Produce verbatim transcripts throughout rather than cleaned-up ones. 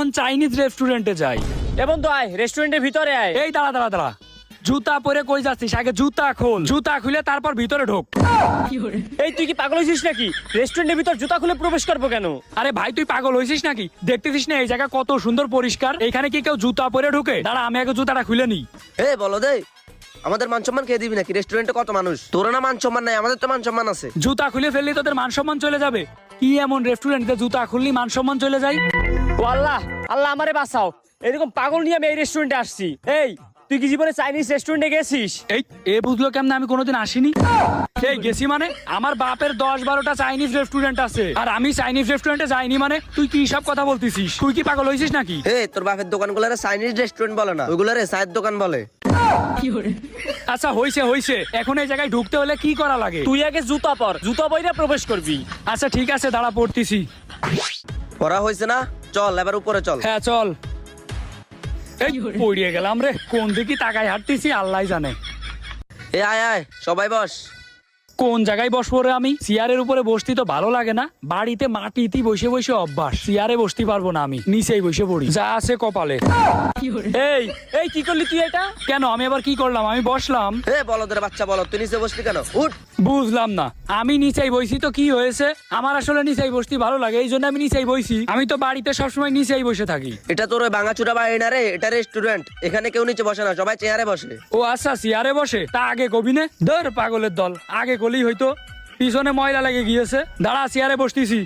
Chinese রেস্টুরেন্টে যাই। এ বন্ধু আয় রেস্টুরেন্টের ভিতরে আয়। এই দাঁড়া দাঁড়া দাঁড়া, জুতা পরে কই যাচ্ছিস? আগে জুতা খোল, জুতা খুলে তারপর ভিতরে ঢোক। এই তুই কি পাগল হয়েছিস নাকি? রেস্টুরেন্টের ভিতর জুতা খুলে প্রবেশ করবো কেন? আরে ভাই তুই পাগল হয়েছিস নাকি? দেখতেছিস না এই জায়গা কত সুন্দর পরিষ্কার, এখানে কি কেউ জুতা পরে ঢুকে? দাঁড়া আমি আগে জুতাটা খুলে নি। এ বলো দে, আমাদের মান সম্মান খেয়ে দিবি নাকি? রেস্টুরেন্টে কত মানুষ, তোর না মান সম্মান নাই, আমাদের তো মান সম্মান আছে। জুতা খুলে ফেললি তোদের মান সম্মান চলে যাবে? কি এমন রেস্টুরেন্টে জুতা খুললি মান সম্মান চলে যায়? ও আল্লাহ, আল্লাহ আমারে বাঁচাও, এরকম পাগল নিয়ে আমি এই রেস্টুরেন্টে আসছি। এই তুই কি জীবনে চাইনিজ রেস্টুরেন্টে গেছিস? এই এ বুঝলো কেমন আমি কোনোদিন আসিনি? এই গেছি মানে? আমার বাপের দশ বারোটা চাইনিজ রেস্টুরেন্ট আছে, আর আমি চাইনিজ রেস্টুরেন্টে যাইনি মানে? তুই কি সব কথা বলতেছিস? তুই কি পাগল হয়েছিস নাকি? এ তোর বাপের দোকানগুলোরে চাইনিজ রেস্টুরেন্ট বলে না, ওইগুলোরে চায়ের দোকান বলে। আচ্ছা হইছে হইছে, এখন এই জায়গায় ঢুকতে হলে কি করা লাগে? তুই আগে জুতা পর, জুতা পরে প্রবেশ করবি। আচ্ছা ঠিক আছে দাঁড়া পড়তেছি। পড়া হয়েছে না? চল এবার উপরে চল। হ্যাঁ চল। এই পড়িয়ে গেলাম রে, কোন দিকে তাকায় হাঁটতেছি আল্লাহ জানে। এ আয় আয় সবাই বস। কোন জায়গায় বসবো রে আমি? চেয়ারের উপরে বসতে তো ভালো লাগে না, বাড়িতে মাটিতে বসে বসে অভ্যাস, চেয়ারে বসতে পারবো না আমি, নিচেই বসে পড়ি যা আছে কপালে। এই এই কি করলি তুই এটা? কেন আমি আবার কি করলাম? আমি বসলাম। এ বলদের বাচ্চা বলো, তুই নিচে বসলি কেন? উঠ। বুঝলাম না, আমি নিচেই বইছি তো কি হয়েছে? আমার আসলে নিচেই বসতে ভালো লাগে, এই জন্য আমি নিচেই বইছি। আমি তো বাড়িতে সবসময় নিচেই বসে থাকি। এটা তোর ওই ভাঙাচুরা বাড়ি না রে, এটা রেস্টুরেন্ট, এখানে কেউ নিচে বসে না, সবাই চেয়ারে বসে। ও আচ্ছা চেয়ারে বসে, তা আগে কবি নে। ধর পাগলের দল, আগে কলেই হয়তো, পিছনে ময়লা লেগে গিয়েছে। দাঁড়া চেয়ারে বসতেছি।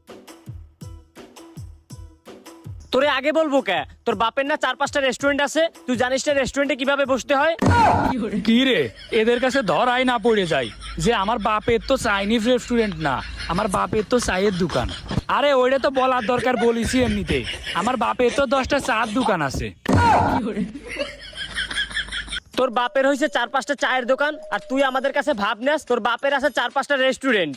তোরে আগে বলবো কে? তোর বাপের না চার পাঁচটা রেস্টুরেন্ট আছে, তুই জানিস না রেস্টুরেন্টে কিভাবে বসতে হয়? কি রে, এদের কাছে ধর আয় না পড়ে যায় যে আমার বাপের তো চাইনিজ রেস্টুরেন্ট না, আমার বাপের তো চায়ের দোকান। আরে ওইটা তো বলার দরকার, বলিছি এমনিতে। আমার বাপের তো দশটা চার দোকান আছে। তোর বাপের হয়েছে চার পাঁচটা চায়ের দোকান, আর তুই আমাদের কাছে ভাব নেস তোর বাপের আছে চার পাঁচটা রেস্টুরেন্ট।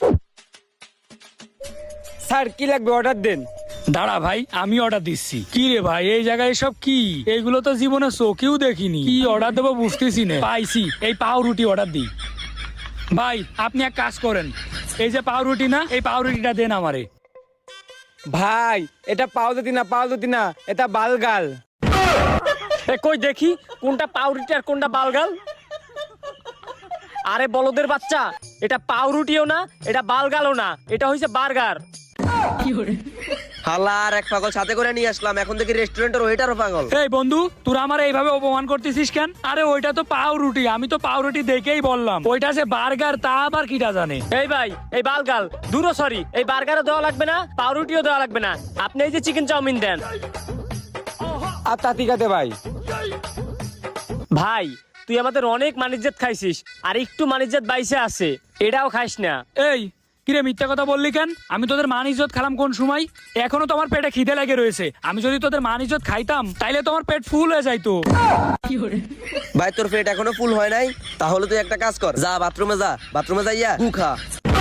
স্যার কি লাগবে অর্ডার দেন। দাঁড়া ভাই আমি অর্ডার দিচ্ছি। কি রে ভাই এই জায়গায় সব কি? এইগুলো তো জীবনে চোখেও দেখিনি, কি অর্ডার দেবো বুঝতেছি না। পাইছি, এই পাউরুটি অর্ডার দিই। ভাই আপনি এক কাজ করেন, এই যে পাউরুটি না, এই পাউরুটিটা দেন আমারে। ভাই এটা পাউরুটি না, পাউরুটি না, এটা বালগাল। এ কই দেখি কোনটা পাউরুটি আর কোনটা বালগাল? আরে বলদের বাচ্চা, এটা পাউরুটিও না, এটা বালগালও না, এটা হইছে বার্গার। হালা আর এক পাগল সাথে করে নিয়ে আসলাম, এখন দেখি রেস্টুরেন্টের ওয়েটারও পাগল। এই বন্ধু তোরা আমার এইভাবে অপমান করতেছিস কেন? আরে ওইটা তো পাউরুটি, আমি তো পাউরুটি দেখেই বললাম। ওইটা যে বার্গার তা আবার কিটা জানে? এই ভাই এই বালগাল দূরও সরি, এই বার্গারও দেওয়া লাগবে না, পাউরুটিও দেওয়া লাগবে না, আপনি এই যে চিকেন চাউমিন দেন। আর তা ঠিক আছে ভাই। ভাই তুই আমাদের অনেক মানিজ্জাত খাইছিস, আর একটু মানিজ্জাত বাইসে আছে, এটাও খাইস না। এই কিরে মিথ্যা কথা বললি কেন? আমি তোদের মান ইজ্জত খেলাম কোন সময়? এখনো তোমার পেটে খিদে লেগে রয়েছে, আমি যদি তোদের মান ইজ্জত খাইতাম তাইলে তোমার পেট ফুল হয়ে যাইতো। ভাই তোর পেট এখনো ফুল হয় নাই? তাহলে তুই একটা কাজ কর, যা বাথরুমে যা, বাথরুমে যাইয়া গু খা।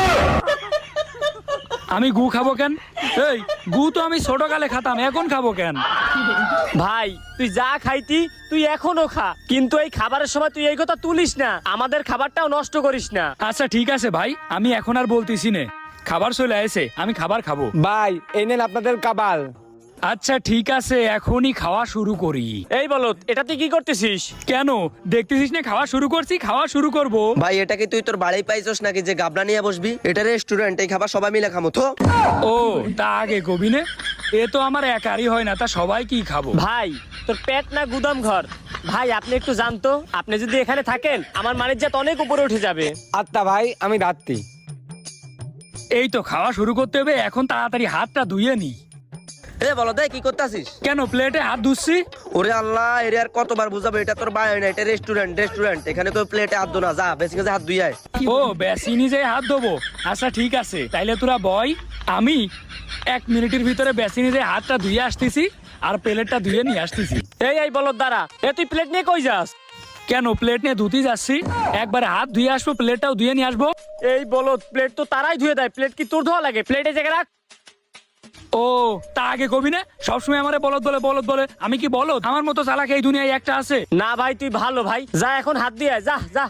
আমি গু খাবো কেন? এই গু তো আমি ছোটকালে খাতাম, এখন খাবো কেন? ভাই তুই যা খাইতি তুই এখনো খা, কিন্তু এই খাবারের সময় তুই এই কথা তুলিস না, আমাদের খাবারটাও নষ্ট করিস না। আচ্ছা ঠিক আছে ভাই, আমি এখন আর বলতেছি না, খাবার চলে আসে, আমি খাবার খাবো। ভাই এই নেন আপনাদের কাবাল। আচ্ছা ঠিক আছে, এখনই খাওয়া শুরু করি। এই বলত, এটা তুই কি করতেছিস? কেন দেখতেছিস না খাওয়া শুরু করছি? খাওয়া শুরু করব। ভাই এটা কি তুই তোর বাড়ি পাইছস নাকি যে গাবলা নিয়ে বসবি? এটা রেস্টুরেন্ট, এই খাবার সবাই মিলে খামো তো। ও তা আগে কবি নে, এ তো আমার একারই হয় না, তা সবাই কি খাবো? ভাই তোর পেট না গুদাম ঘর? ভাই আপনি একটু জানতো, আপনি যদি এখানে থাকেন আমার মানিজ্জাত অনেক উপরে উঠে যাবে। আত্মা ভাই আমি রাত্রি। এই তো খাওয়া শুরু করতে হবে, এখন তাড়াতাড়ি হাতটা ধুয়ে নি। এ বলো দে কি করতেছিস? কেন প্লেটে হাত ধুচ্ছি? ওরে আল্লাহ, এর আর কতবার বুঝাবো, এটা তোর বাড়ি না, এটা রেস্টুরেন্ট। রেস্টুরেন্ট এখানে কেউ প্লেটে হাত ধো না, যা বেশি কাছে হাত ধুই আয়। ও বেশি নিজে হাত ধোবো? আচ্ছা ঠিক আছে, তাইলে তোরা বয়, আমি এক মিনিটের ভিতরে বেশি নিজে হাতটা ধুয়ে আসতেছি আর প্লেটটা ধুয়ে নিয়ে আসতেছি। এই এই বলত দ্বারা, এ তুই প্লেট নিয়ে কই যাস? কেন প্লেট নিয়ে ধুতে যাচ্ছি, একবারে হাত ধুয়ে আসবো, প্লেটটাও ধুয়ে নিয়ে আসবো। এই বলত, প্লেট তো তারাই ধুয়ে দেয়, প্লেট কি তোর ধোয়া লাগে? প্লেটে জায়গা রাখ। ও তা আগে কবি না, সবসময় আমারে বলদ বলে বলদ বলে, আমি কি বলদ? আমার মতো চালাক এই দুনিয়ায় একটা আছে? না ভাই তুই ভালো ভাই, যা এখন হাত দিয়ে আয়, যা যা।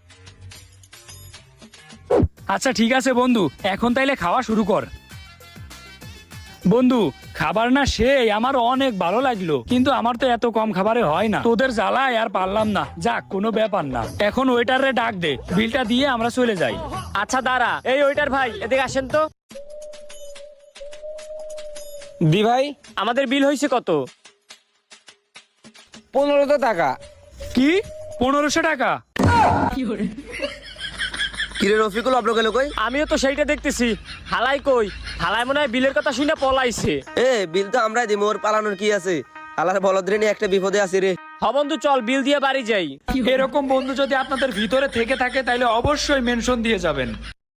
আচ্ছা ঠিক আছে বন্ধু, এখন তাইলে খাওয়া শুরু কর। বন্ধু খাবার না সেই আমার অনেক ভালো লাগলো, কিন্তু আমার তো এত কম খাবারে হয় না, তোদের জ্বালায় আর পারলাম না। যাক, কোনো ব্যাপার না, এখন ওয়েটারে ডাক দে, বিলটা দিয়ে আমরা চলে যাই। আচ্ছা দাঁড়া, এই ওইটার ভাই এদিকে আসেন তো। দি ভাই, আমাদের বিল হয়েছে কত? পনেরোশো টাকা। কি পনেরোশো টাকা? কিরে রফিকুল, অব্র গেল কই? আমিও তো সেইটা দেখতেছি। হালাই কই? হালাই মনে হয় বিলের কথা শুনে পলাইছে। এ বিল তো আমরাই দিই, মোর পালানোর কি আছে? আলার বলদ্রে নিয়ে একটা বিপদে আছি রে। হ বন্ধু, চল বিল দিয়ে বাড়ি যাই। এরকম বন্ধু যদি আপনাদের ভিতরে থেকে থাকে তাহলে অবশ্যই মেনশন দিয়ে যাবেন।